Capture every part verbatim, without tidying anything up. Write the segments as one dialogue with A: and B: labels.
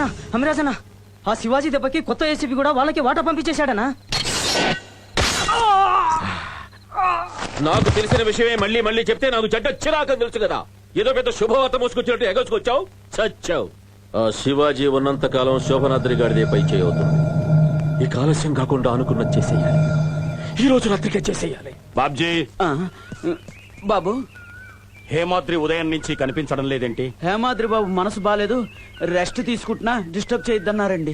A: అమిరాజనా, ఆ శివాజీ దెబ్బకి కొత్త ఏసీపీ కూడా వాళ్ళకి వాటా పంపించేశాడనా?
B: నాకు తెలిసిన విషయమే మళ్ళీ మళ్ళీ చెప్తే నాకు చెడ్డ చిరాకని తెలుసు కదా. ఏదో పెద్ద శుభవార్త మోసుకొచ్చినట్టు ఎగసుకొచ్చావు, చచ్చావు. ఆ శివాజీ ఉన్నంత కాలం శోభనాద్రి గారిదే పై చేయవుతుంది. ఈ కాలస్యం కాకుండా అనుకున్నది చేసేయాలి. ఈ రోజు రాత్రికే చేసేయాలి.
C: బాబ్జీ,
A: బాబు,
C: హేమాద్రి ఉదయం నుంచి కనిపించడం లేదేంటి?
A: హేమాద్రి బాబు మనసు బాలేదు, రెస్ట్ తీసుకుంటున్నా, డిస్టర్బ్ చేయొద్దన్నారండి.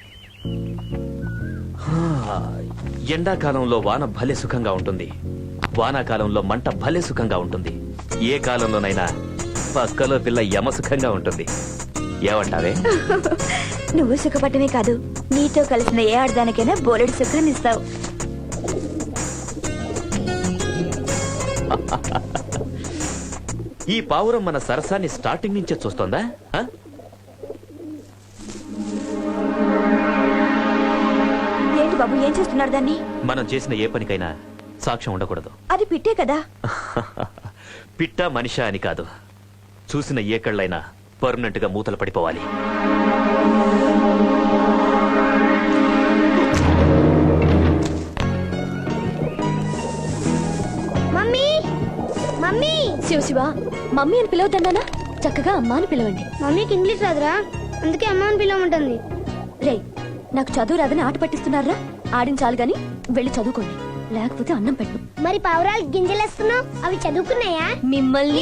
D: ఎండాకాలంలో వాన భలే సుఖంగా ఉంటుంది, వానాకాలంలో మంట భలే సుఖంగా ఉంటుంది. ఏ కాలంలోనైనా పక్కలో పిల్ల యమ సుఖంగా ఉంటుంది. ఏమంటావే?
E: నువ్వు సుఖపడమే కాదు, నీతో కలిసిన ఏ ఆడదానికైనా బోలెడు సుఖాన్ని ఇస్తావు.
D: ఈ పావురం మన సరసాన్ని స్టార్టింగ్ నుంచే చూస్తోందా?
E: ఏంటి బాబు, ఏం చేస్తున్నారు దాన్ని?
D: మనం చేసిన ఏ పనికైనా సాక్ష్యం ఉండకూడదు.
E: అది పిట్టే కదా.
D: పిట్ట మనిషా అని కాదు, చూసిన ఏ కళ్ళైనా పర్మనెంట్ గా మూతలు పడిపోవాలి.
E: Mummy, mummy. Shiva Shiva, mummy అని పిలవద్దన్నానా? చక్కగా అమ్మ అని పిలవండి.
F: మమ్మీకి ఇంగ్లీష్ రాదురా, అందుకే అమ్మ అని పిలవమంటుంది.
E: రే, నాకు చదువు రాదని ఆట పట్టిస్తున్నారా? ఆడించాలి గాని వెళ్ళి చదువుకోండి, లేకపోతే అన్నం పెట్టు.
F: మరి పావురాలు గింజలేస్తున్నావు, అవి చదువుకున్నాయా?
E: మిమ్మల్ని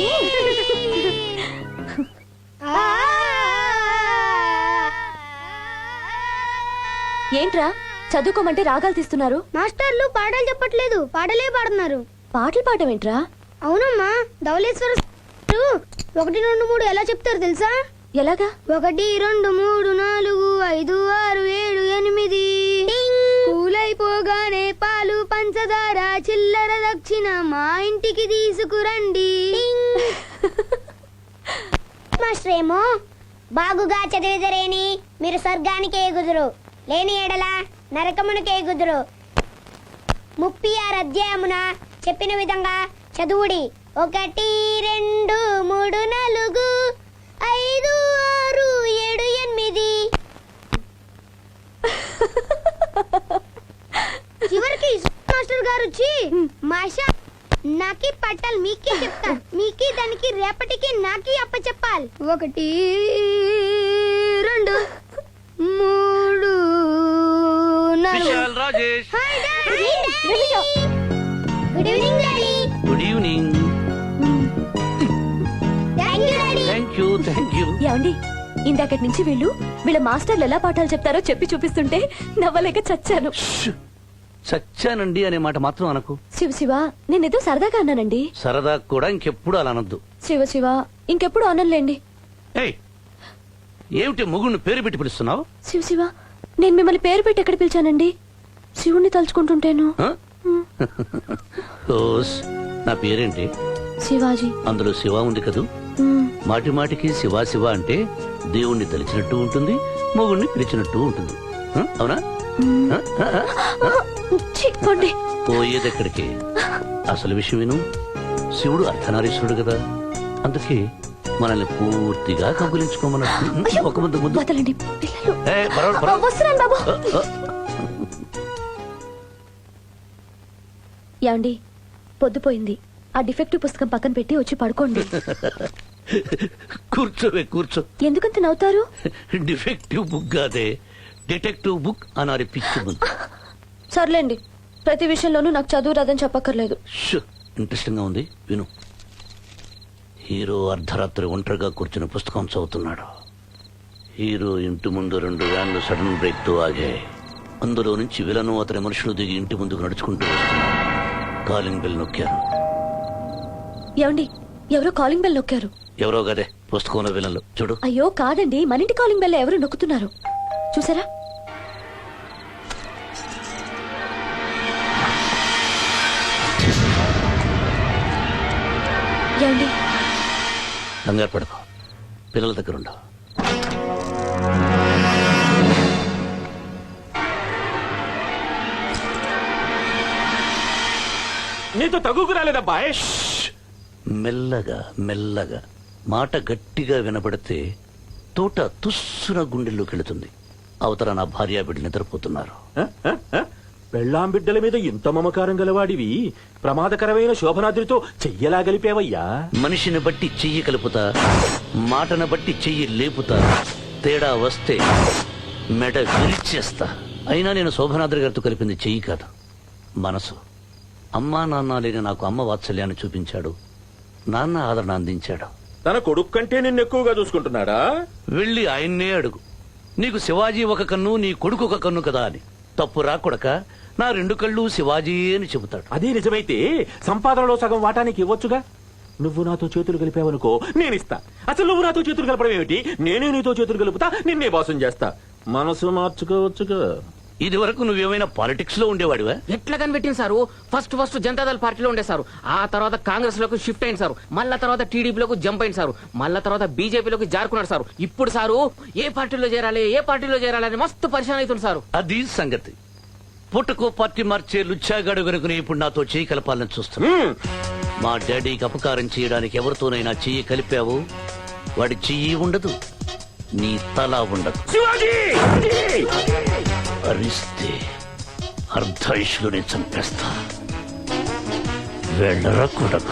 E: ఏంట్రా చదువుకోమంటే రాగాలు తీస్తున్నారు?
F: మాస్టర్లు పాటలు చెప్పట్లేదు, పాటలే పాడుతున్నారు.
E: పాటలు పాడటం ఏంట్రా?
F: అవునమ్మా, ధవళేశ్వర ఒకటి రెండు మూడు ఎలా చెప్తారు తెలుసా?
E: ఎలాగా?
F: ఒకటి రెండు మూడు నాలుగు ఐదు ఆరు ఏడు ఎనిమిది, పూలైపోగానే పాలు పంచదార చిల్లర దక్షిణ మా ఇంటికి తీసుకురండి. మాస్టరేమో బాగుగా చదివిదరేని మీరు స్వర్గానికి ఎగుదురు, లేని ఎడల నరకమునకు ఎగుదురు. ముప్పై ఆరు అధ్యాయమున చెప్పిన విధంగా చదువుడి. ఒకటి రెండు మూడు నాలుగు ఐదు ఆరు ఏడు ఎనిమిది. చివరికి మాస్టర్ గారు వచ్చి మాషా నాకి పట్టాలి, మీకే చెప్తా, మీకి దానికి రేపటికి నాకి అప్ప చెప్పాలి. ఒకటి రెండు మూడు నాలుగు. Hi daddy. Good evening daddy.
G: Good evening.
F: Thank you daddy.
G: Thank you thank you.
E: ఏమండి, ఇందాకటి నుంచి వీళ్ళు వీళ్ళ మాస్టర్లు ఎలా పాఠాలు చెప్తారో చెప్పి చూపిస్తుంటే నవ్వలేక చచ్చాను.
G: చచ్చానండి అనే మాట మాత్రం అనకు.
E: శివ శివ, నేనేదో సరదాగా అన్నానండి.
G: సరదా కూడా ఇంకెప్పుడు అలా అనొద్దు.
E: శివ శివ, ఇంకెప్పుడు అనలేండి.
G: ఏయ్, ఏమిటి ముగుడిని పేరు పెట్టి పిలుస్తున్నావు?
E: శివ శివ, నేను మిమ్మల్ని పేరు పెట్టి ఎక్కడ పిలిచానండి? శివుణ్ణి తలుచుకుంటుంటేను.
G: ఆ? ఓస్, నా పేరేంటి?
E: శివాజీ.
G: అందులో శివ ఉంది కదూ.
E: మ్,
G: మాటి మాటికి శివ శివ అంటే దేవుణ్ణి తలిచినట్టు ఉంటుంది, మొగుణ్ణి పిలిచినట్టు ఉంటుంది. ఆ? అవునా?
E: మ్.
G: ఆ? ఆ? ఆ?
E: ఛీ, పోండి.
G: పోయేదెక్కడికి? అసలు విషయం విను. శివుడు అర్ధనారీశ్వరుడు కదా, అందుకే మనల్ని పూర్తిగా కబులించుకోమన్నట్టు. ఒక ముద్దు ముద్దు.
E: వదలండి పిల్లలు.
G: ఏ, పర్వాలేదు, పర్వాలేదు.
E: వస్తున్నాను బాబు.
G: ఆ, ఆ.
E: ఏమండి, పొద్దుపోయింది, ఆ డిఫెక్టివ్ పుస్తకం పక్కన పెట్టి వచ్చి పడుకోండి.
G: కూర్చోవే కూర్చో.
E: ఎందుకంత నవ్వుతారు?
G: డిఫెక్టివ్ బుక్ కాదే, డిటెక్టివ్ బుక్ అనాలి పిచ్చి బుక్.
E: సర్లేండి, ప్రతి విషయంలోనూ నాకు చదువు రాదని చెప్పక్కర్లేదు.
G: ఇంట్రెస్టింగ్ గా ఉంది, విను. హీరో అర్ధరాత్రి ఒంటరిగా కూర్చుని పుస్తకం చదువుతున్నాడు. హీరో ఇంటి ముందు రెండు వ్యాన్లు సడన్ బ్రేక్ తో ఆగాయి. అందులో నుంచి విలను అతని మనుషులు దిగి ఇంటి ముందుకు నడుచుకుంటూ వస్తున్నారు. కాలింగ్ బెల్ నొక్కారు.
E: ఏమండి, ఎవరో కాలింగ్ బెల్ నొక్కారు.
G: ఎవరో గదే పుస్తకంలో విలన్లు. చూడు.
E: అయ్యో కాదండి, మన ఇంటి కాలింగ్ బెల్ ఎవరు నొక్కుతున్నారు చూసారా? ఏమండి,
G: కంగారు పడకు, పిల్లల దగ్గర ఉండవు.
B: నీతో తగుకు రాలేదబ్బాయ్.
G: మెల్లగా మెల్లగా మాట గట్టిగా వినపడితే తోట తుస్సున గుండెల్లోకి వెళుతుంది. అవతల నా భార్య బిడ్డ నిద్రపోతున్నారు.
B: పెళ్ళాం బిడ్డల మీద ఇంత మమకారం గలవాడివి ప్రమాదకరమైన శోభనాద్రితో చెయ్యలా గలిపేవయ్యా.
G: మనిషిని బట్టి చెయ్యి కలుపుతా, మాటను బట్టి చెయ్యి లేపుతా. తేడా వస్తే మెడ విరిచేస్తా. అయినా నేను శోభనాద్రి గారితో కలిపింది చెయ్యి కాదు, మనసు. అమ్మా నాన్న లేని నాకు అమ్మ వాత్సల్యాన్ని చూపించాడు, నాన్న ఆదరణ అందించాడు.
B: తన కొడుకు కంటే నిన్ను ఎక్కువగా చూసుకుంటున్నాడా?
G: వెళ్ళి ఆయన్నే అడుగు, నీకు శివాజీ ఒక కన్ను, నీ కొడుకు ఒక కన్ను కదా అని. తప్పు రాకొడక, నా రెండు కళ్ళు శివాజీ అని చెబుతాడు.
B: అదే నిజమైతే సంపాదనలో సగం వాటానికి ఇవ్వొచ్చుగా. నువ్వు నాతో చేతులు కలిపావనుకో, నేనిస్తా. అసలు నువ్వు నాతో చేతులు కలపడం ఏమిటి? నేనే నీతో చేతులు కలుపుతా, నిన్నే బాసం చేస్తా. మనసు మార్చుకోవచ్చుగా.
G: ఇది వరకు నువ్వేమైనా పాలిటిక్స్ లో ఉండేవాడివా?
H: ఎట్లా కనిపెట్టింది సారు? ఫస్ట్ ఫస్ట్ జనతాదళ పార్టీలో ఉండే సారు, ఆ తర్వాత కాంగ్రెస్ లోకి షిఫ్ట్ అయింది సారు, మళ్ళా తర్వాత టీడీపీలోకి జంప్ అయింది సారు, మళ్ళా తర్వాత బీజేపీలోకి జారుకున్నాడు సారు. ఇప్పుడు సారు ఏ పార్టీలో చేరాలి ఏ పార్టీలో చేరాలి అని మస్తు పరిశాన్ అవుతుంది సారు.
G: అది సంగతి. పుట్టకో పార్టీ మార్చే లుచ్చాగాడు గనుకుని ఇప్పుడు నాతో చెయ్యి కలపాలని చూస్తున్నా. మా డాడీకి అపకారం చేయడానికి ఎవరితోనైనా చెయ్యి కలిపావు, వాడి చెయ్యి ఉండదు, నీ తల ఉండదు. అరిస్తే అర్ధాయుషులోనే చంపేస్తా. వెళ్ళరా కొడక.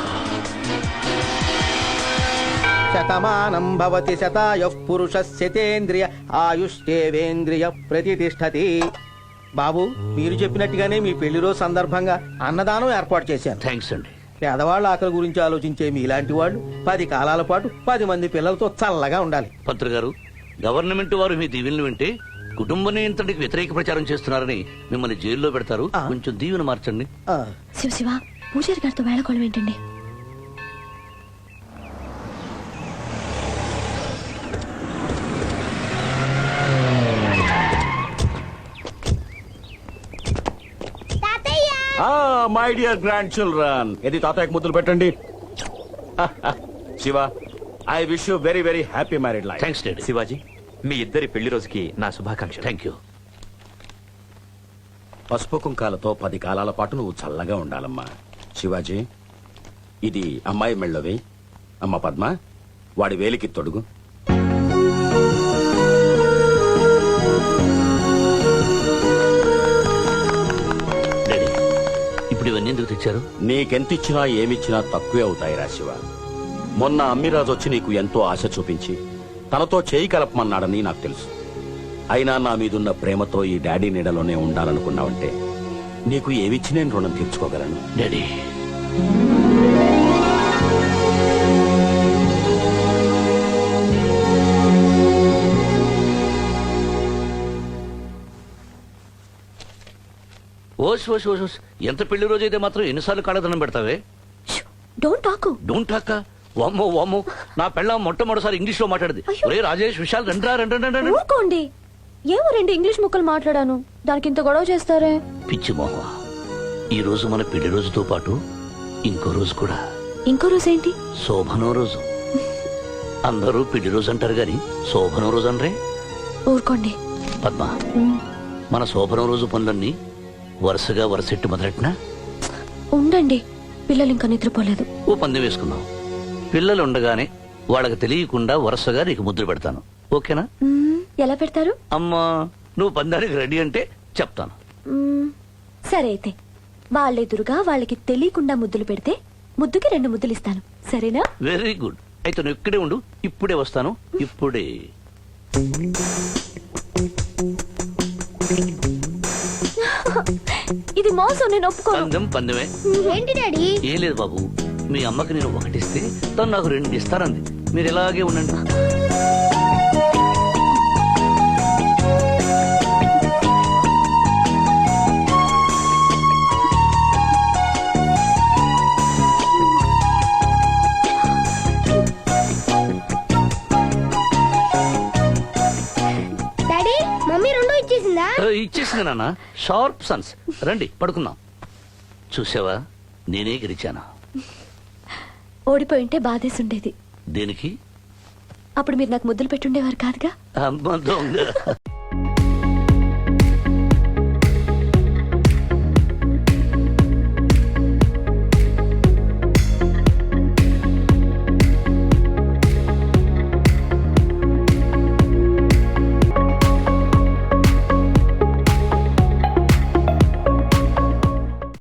I: శతమానం భవతి శతాయుః పురుషస్యతేంద్రియ ఆయుష్యేవేంద్రియ ప్రతిష్టతి. బాబు, మీరు చెప్పినట్టుగానే మీ పెళ్లి రోజు సందర్భంగా అన్నదానం ఏర్పాటు చేశాను.
G: థ్యాంక్స్ అండి.
I: పేదవాళ్ళ ఆకలి గురించి ఆలోచించే మీలాంటి వాళ్ళు పది కాలాల పాటు పది మంది పిల్లలతో చల్లగా ఉండాలి.
G: పంత్రి గారు, గవర్నమెంట్ వారు మీ దీవెనలు వింటే కుటుంబ నియంత్రణకి వ్యతిరేక ప్రచారం చేస్తున్నారని మిమ్మల్ని జైల్లో పెడతారు.
I: ఆ.
G: కొంచెం దీవెన మార్చండి.
I: ఆ,
E: శివ శివ, పూజారి గారితో వేళకోళం ఏంటండి?
C: మై డియర్ గ్రాండ్ చిల్డ్రన్, ఇది తాతయ్యకు ముద్దులు పెట్టండి. Shiva, I wish you very very happy married life.
G: Thanks daddy.
D: Shivaji, మీ ఇద్దరి పెళ్లి రోజుకి నా శుభాకాంక్షలు.
G: Thank you.
C: పసుపు కుంకాలతో పది కాలాల పాటు నువ్వు చల్లగా ఉండాలమ్మా. శివాజీ, ఇది అమ్మాయి మెళ్ళవి. అమ్మ పద్మ, వాడి వేలికి తొడుగు.
G: డాడీ, ఇప్పుడు ఇవన్నీ ఎందుకు తెచ్చారు?
C: నీకెంతిచ్చినా ఏమిచ్చినా తక్కువే అవుతాయిరా శివ. మొన్న అమ్మిరాజు వచ్చి నీకు ఎంతో ఆశ చూపించి తనతో చేయి కలపమన్నాడని నాకు తెలుసు. అయినా నా మీదున్న ప్రేమతో ఈ డాడీ నీడలోనే ఉండాలనుకున్నావంటే నీకు ఏమిచ్చి నేను రుణం తీర్చుకోగలను.
G: డాడీ, ఓస్ ఓస్ ఓస్ ఓస్. ఎంత పెళ్లి రోజు అయితే మాత్రం ఎన్నిసార్లు కాళ్ళదనం పెడతావే?
E: Don't talk.
G: Don't talk. వామ్మో వామ్మో, నా పెళ్ళ మొట్టమొదటిసారి ఇంగ్లీష్ లో మాట్లాడింది.
E: అయ్యో.
G: ఒరే రాజేష్, విశాల్, రండ్రా రండి రండి రండి.
E: ఊరుకోండి. ఏమో రెండు ఇంగ్లీష్ ముక్కలు మాట్లాడాను, దానికి ఇంత గొడవ చేస్తారే?
G: పిచ్చి మోహ, ఈ రోజు మన పెళ్లి రోజుతో పాటు ఇంకో రోజు కూడా.
E: ఇంకో రోజు ఏంటి?
G: శోభనం రోజు. అందరూ పెళ్లి రోజు అంటారు గాని శోభనం రోజు అనరే.
E: ఊరుకోండి.
G: పద్మ,
E: ఉమ్,
G: మన శోభనం రోజు పనులన్నీ వరుసగా వరుసెట్టి మొదలెట్నా?
E: ఉండండి, పిల్లలు ఇంకా నిద్రపోలేదు.
G: ఓ పందెం వేసుకుందాం. పిల్లలు ఉండగానే వాళ్ళకి తెలియకుండా వరుసగా నీకు ముద్ర పెడతాను, ఓకేనా?
E: ఉమ్, ఎలా పెడతారు?
G: అమ్మా, నువ్వు పందానికి రెడీ అంటే చెప్తాను.
E: ఉమ్, సరే అయితే వాళ్ళెదురుగా వాళ్ళకి తెలియకుండా ముద్దులు పెడితే ముద్దుకి రెండు ముద్దులు ఇస్తాను, సరేనా?
G: Very good. అయితే నువ్వు ఇక్కడే ఉండు, ఇప్పుడే వస్తాను. ఇప్పుడే.
E: ఇది మోసం, నేను ఒప్పుకోను.
G: పందెం పందెమే.
F: ఏంటి డాడీ?
G: ఏం లేదు బాబు, మీ అమ్మకి నేను ఒకటిస్తే తను నాకు రెండు ఇస్తానంది. మీరు ఇలాగే ఉండండి.
F: డాడీ, మమ్మీ రెండు ఇచ్చేసిందా?
G: ఆ, ఇచ్చేసింది నాన్న. Sharp sons. రండి పడుకుందాం. చూసావా, నేనే గెలిచాను.
E: ఓడిపోయింటే బాధేసి ఉండేది.
G: దేనికి?
E: అప్పుడు మీరు నాకు ముద్దులు పెట్టుండేవారు కాదుగా.
G: అమ్మ దొంగ.